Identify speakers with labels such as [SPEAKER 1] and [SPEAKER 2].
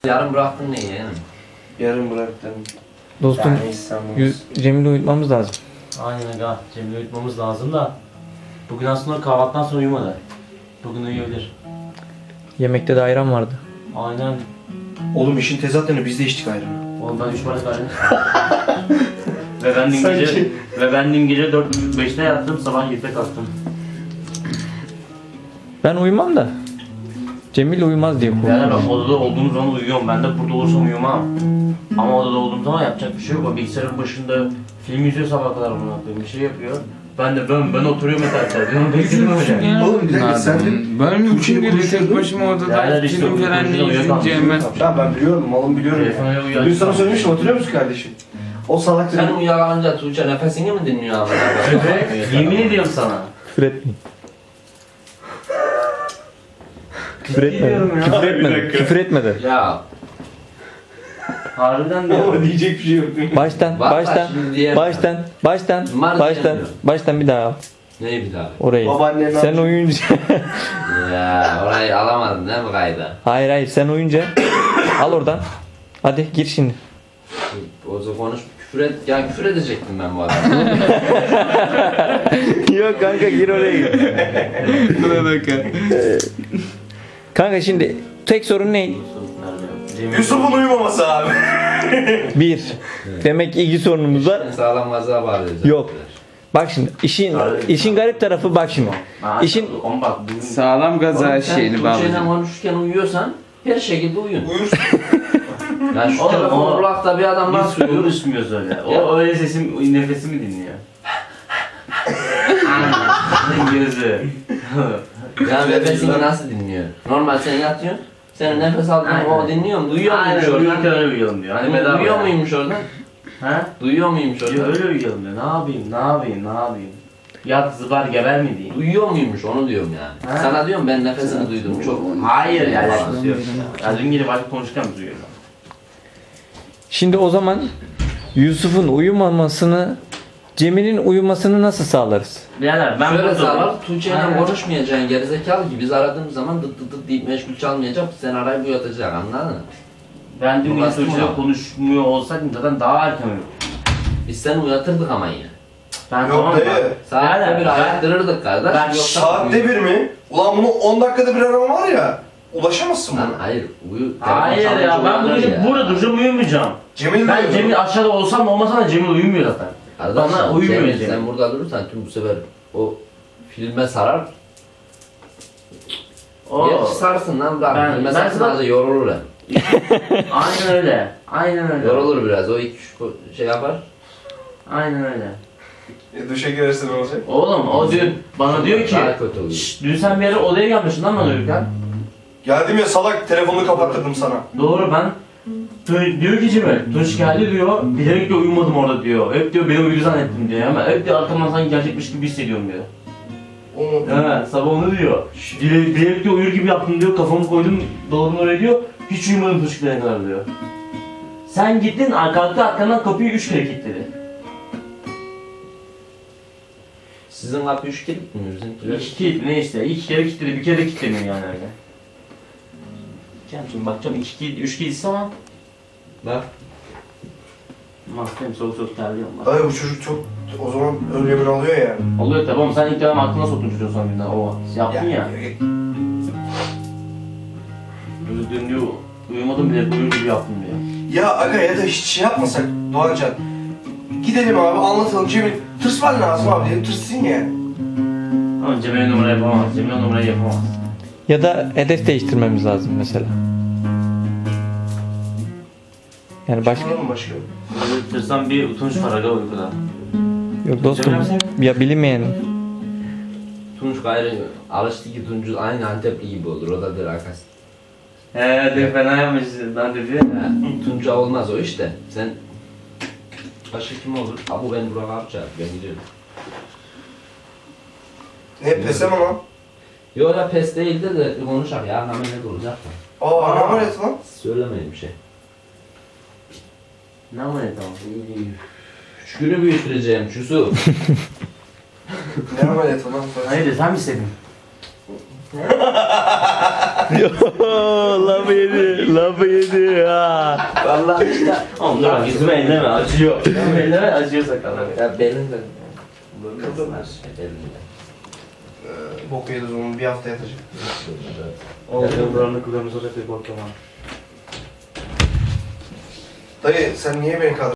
[SPEAKER 1] Yarın bıraktın neyi yani?
[SPEAKER 2] Yarın bıraktım.
[SPEAKER 3] Dostum, Cemil'i uyutmamız lazım.
[SPEAKER 4] Aynen aga. Cemil'i uyutmamız lazım da. Bugün aslında kahvaltıdan sonra uyumadı. Bugün uyuyabilir.
[SPEAKER 3] Yemekte de ayran vardı.
[SPEAKER 4] Aynen.
[SPEAKER 2] Oğlum işin tezatını biz de içtik ayranı.
[SPEAKER 4] Oğlum ben 3 bardak ayran ve ben dün gece 4-5'te yattım, sabah 7'de kalktım.
[SPEAKER 3] Ben uyumam da. Cemil uyumaz diye
[SPEAKER 4] Yani
[SPEAKER 3] korkuyorum.
[SPEAKER 4] ben odada olduğum zaman uyuyorum. Ben de burada olursam uyumam. Ama odada olduğum zaman yapacak bir şey yok. O bilgisayarın başında film izliyor sabah kadar bunu yapıyor. Bir şey yapıyor. Ben oturuyorum etrafta. Diyorum bekliyorum öyle.
[SPEAKER 2] Oğlum bir dakika sen de...
[SPEAKER 5] Ben üçün gündür tek
[SPEAKER 2] konuşuyordun.
[SPEAKER 5] başıma odada
[SPEAKER 4] Değerler işte,
[SPEAKER 5] film falan ne
[SPEAKER 4] konuşuyor,
[SPEAKER 5] izleyeceğim ben.
[SPEAKER 2] Ya ben biliyorum, malım biliyorum.
[SPEAKER 4] Telefona
[SPEAKER 2] Ya.
[SPEAKER 4] uyuyor.
[SPEAKER 2] Dün sana söylemiştim, hatırlıyor musun kardeşim? O salak
[SPEAKER 1] Sen
[SPEAKER 2] dedi.
[SPEAKER 1] uyuyakalınca Tuğçe nefesini mi dinliyor abi?
[SPEAKER 4] Yemin ediyorum sana.
[SPEAKER 3] Küfür etmeyin. Küfür
[SPEAKER 4] Diyorum
[SPEAKER 3] etmedi.
[SPEAKER 4] ya.
[SPEAKER 3] Küfür etmedi. Küfür etmedi.
[SPEAKER 1] Ya
[SPEAKER 4] Harbiden diyorum.
[SPEAKER 2] Ama diyecek bir şey yok.
[SPEAKER 3] Baştan,
[SPEAKER 1] Var,
[SPEAKER 3] baştan,
[SPEAKER 1] şimdi diyemem.
[SPEAKER 3] baştan,
[SPEAKER 1] Var
[SPEAKER 3] baştan,
[SPEAKER 1] diyemiyorum.
[SPEAKER 3] baştan bir daha al.
[SPEAKER 1] neyi bir daha?
[SPEAKER 3] Orayı.
[SPEAKER 2] Babaannen ne
[SPEAKER 3] Sen
[SPEAKER 2] yapacak?
[SPEAKER 3] uyuyunca.
[SPEAKER 1] Ya orayı alamadın değil mi kayda?
[SPEAKER 3] Hayır sen uyuyunca. Al oradan. Hadi gir şimdi.
[SPEAKER 1] O zaman konuş, küfür et. Ya küfür edecektim ben bu adamı.
[SPEAKER 3] Yok kanka gir oraya gir.
[SPEAKER 5] Buna bakın.
[SPEAKER 3] Kanka şimdi tek sorun ne?
[SPEAKER 2] Yusuf'un uyumaması abi.
[SPEAKER 3] Bir. Demek ki ilgi sorunumuz var.
[SPEAKER 1] Sağlam gaza bağlayacağız.
[SPEAKER 3] Yok. Bak şimdi işin garip tarafı bak şimdi. İşin
[SPEAKER 4] On bak bu
[SPEAKER 5] Sağlam gaza
[SPEAKER 1] Oğlum sen
[SPEAKER 5] şeyini
[SPEAKER 1] Tuğçe'yle
[SPEAKER 5] bağlayacağım.
[SPEAKER 1] konuşurken uyuyorsan her şekilde uyun.
[SPEAKER 2] Uyursun.
[SPEAKER 1] Yani şu
[SPEAKER 4] Oğlum,
[SPEAKER 1] telefon
[SPEAKER 4] o-
[SPEAKER 1] kulakta bir adam var
[SPEAKER 4] biz
[SPEAKER 1] söylüyor.
[SPEAKER 4] konuşmuyoruz öyle. O öyle nefesimi dinliyor. Gözü.
[SPEAKER 1] Yani nefesini nasıl dinliyor? Normal sen yatıyorsun. Senin nefes aldığın
[SPEAKER 4] Aynen.
[SPEAKER 1] o dinliyor mu? Duyuyor muymuş
[SPEAKER 4] Aynen
[SPEAKER 1] oradan?
[SPEAKER 4] uyurken öyle uyuyalım diyor. Hani bedava.
[SPEAKER 1] Duyuyor
[SPEAKER 4] ya.
[SPEAKER 1] muymuş oradan?
[SPEAKER 4] Ha?
[SPEAKER 1] Duyuyor muymuş
[SPEAKER 4] Ya
[SPEAKER 1] oradan?
[SPEAKER 4] öyle uyuyalım diyor. Ne yapayım? Yat zıbar geber mi diyeyim?
[SPEAKER 1] Duyuyor muymuş onu diyorum yani.
[SPEAKER 4] Ha?
[SPEAKER 1] Sana diyorum ben nefesini duydum çok.
[SPEAKER 4] Hayır ya alakası yok. Ya dün gece başka konuşurken mi duyuyorum?
[SPEAKER 3] şimdi o zaman Yusuf'un uyumamasını, Cemil'in uyumasını nasıl sağlarız?
[SPEAKER 4] Birader ben
[SPEAKER 1] Şöyle
[SPEAKER 4] burada...
[SPEAKER 1] sağlar, Tuğçe'yle
[SPEAKER 4] Aynen.
[SPEAKER 1] konuşmayacaksın gerizekalı ki biz aradığımız zaman dıt dıt dıt deyip meşgul çalmayacak, sen arayıp uyatacak anladın mı?
[SPEAKER 4] Ben dün gece
[SPEAKER 1] Bastım
[SPEAKER 4] Tuğçe'yle
[SPEAKER 1] ona.
[SPEAKER 4] konuşmuyor olsaydım zaten daha erken uyurdum.
[SPEAKER 1] Biz seni uyatırdık ama yine.
[SPEAKER 4] Ben
[SPEAKER 2] Yok
[SPEAKER 4] tamam
[SPEAKER 2] dayı.
[SPEAKER 1] Saatte
[SPEAKER 4] Birader,
[SPEAKER 1] bir
[SPEAKER 4] ben-
[SPEAKER 1] ayaktırırdık kardeş.
[SPEAKER 4] ben
[SPEAKER 1] yoksa
[SPEAKER 2] Saatte bir mi? Ulan bunu 10 dakikada bir arama var ya. Ulaşamazsın
[SPEAKER 1] Lan
[SPEAKER 2] buna.
[SPEAKER 1] hayır, uyu.
[SPEAKER 4] Hayır
[SPEAKER 1] telefon
[SPEAKER 4] ya
[SPEAKER 1] çalınca
[SPEAKER 4] ben bu
[SPEAKER 1] uyanır
[SPEAKER 4] gece
[SPEAKER 1] ya.
[SPEAKER 4] burada duracağım uyumayacağım.
[SPEAKER 2] Cemil
[SPEAKER 4] Ben
[SPEAKER 2] de
[SPEAKER 4] Cemil aşağıda olsam da olmasam da Cemil uyumuyor zaten.
[SPEAKER 1] Kardeşim,
[SPEAKER 4] Bana uyumuyor
[SPEAKER 1] Cemil,
[SPEAKER 4] Cemil.
[SPEAKER 1] sen burada durursan tüm bu sefer o filme sarar. Gerçi sarsın lan bırak.
[SPEAKER 4] Ben-
[SPEAKER 1] Filme
[SPEAKER 4] ben
[SPEAKER 1] sarsın
[SPEAKER 4] sana-
[SPEAKER 1] az da yorulur hem.
[SPEAKER 4] Aynen öyle. Aynen öyle.
[SPEAKER 1] Yorulur biraz, o iki şey yapar.
[SPEAKER 4] Aynen öyle.
[SPEAKER 2] duşa girerse ne olacak?
[SPEAKER 4] Oğlum o dün bana diyor ki
[SPEAKER 1] Daha kötü oluyor.
[SPEAKER 4] "Şşş, dün sen bir ara odaya gelmişsin lan bana uyurken.
[SPEAKER 2] Geldim ya salak telefonunu kapattırdım sana.
[SPEAKER 4] Doğru ben diyor ki Cemil, Tunç geldi diyor, bilerek de uyumadım orada diyor. Hep diyor beni uyudu zannettim diyor. Ama hep diyor arkamdan sanki gerçekmiş gibi hissediyorum diyor. Evet, sabah onu diyor. Bilerek diyor uyur gibi yaptım diyor, kafamı koydum dolabın oraya diyor. Hiç uyumadım Tunç gidene kadar diyor. Sen gittin, kalktı arkandan kapıyı 3 kere kilitledi.
[SPEAKER 1] Sizin kapı 3 kilit mi? Bizimkiler?
[SPEAKER 4] 2 kilit ne işte, 2 kere kilitledi, bir kere de kilitlemiyor yani öyle. Şimdi bakacağım 2 kilit, 3 kilit ama
[SPEAKER 1] Bak.
[SPEAKER 4] Mahkeme soğuk terliyorum bak.
[SPEAKER 2] Dayı bu çocuk çok o zaman öyle bir alıyor yani.
[SPEAKER 4] Oluyor tabi ama sen ilk defa aklına soktun çocuğu son günden o yaptın ya. Dün diyor uyumadım bile uyur gibi yaptım diyor.
[SPEAKER 2] Ya aga ya da hiç şey yapmasak Doğancan. Gidelim abi anlatalım Cemil. Tırsman lazım abi dedim tırsın yani.
[SPEAKER 4] Ama Cemil numara yapamaz. Cemil numarayı yapamaz.
[SPEAKER 3] Ya da hedef değiştirmemiz lazım mesela. Yani başka
[SPEAKER 2] Başka mı başka?
[SPEAKER 4] Böyle tırsan bir utanç var aga uykuda.
[SPEAKER 3] yok dostum. Ya bilinmeyen
[SPEAKER 1] Tunç gayrı alıştı ki Tunç aynı Antepli gibi olur. O da der arkası.
[SPEAKER 4] De fena yapmışsın ben dedi.
[SPEAKER 1] Tunç'a olmaz o işte. Sen başka kim olur? Abu ben Burak abi çağır. Ben gidiyorum.
[SPEAKER 2] Ne pesem ama.
[SPEAKER 1] Yok ya pes değildi de konuşak ya. Hemen ne olacak da.
[SPEAKER 2] Aa ne var lan?
[SPEAKER 1] Söylemeyin bir şey.
[SPEAKER 4] Ne var ya tamam.
[SPEAKER 1] Şükürü büyütüreceğim Yusuf.
[SPEAKER 2] Ne ameliyatı lan?
[SPEAKER 4] Hayır sen mi istedin?
[SPEAKER 3] Lafı yedi. Lafı yedi. Ha.
[SPEAKER 1] Vallahi işte.
[SPEAKER 4] Oğlum dur yüzüme elleme acıyor. Yüzüme elleme acıyor sakallar.
[SPEAKER 1] Ya belinde. Belinde.
[SPEAKER 2] Bok yedi o zaman bir hafta yatacak.
[SPEAKER 4] Oğlum buranın kıvırımız olacak bir korkamam.
[SPEAKER 2] Dayı sen niye beni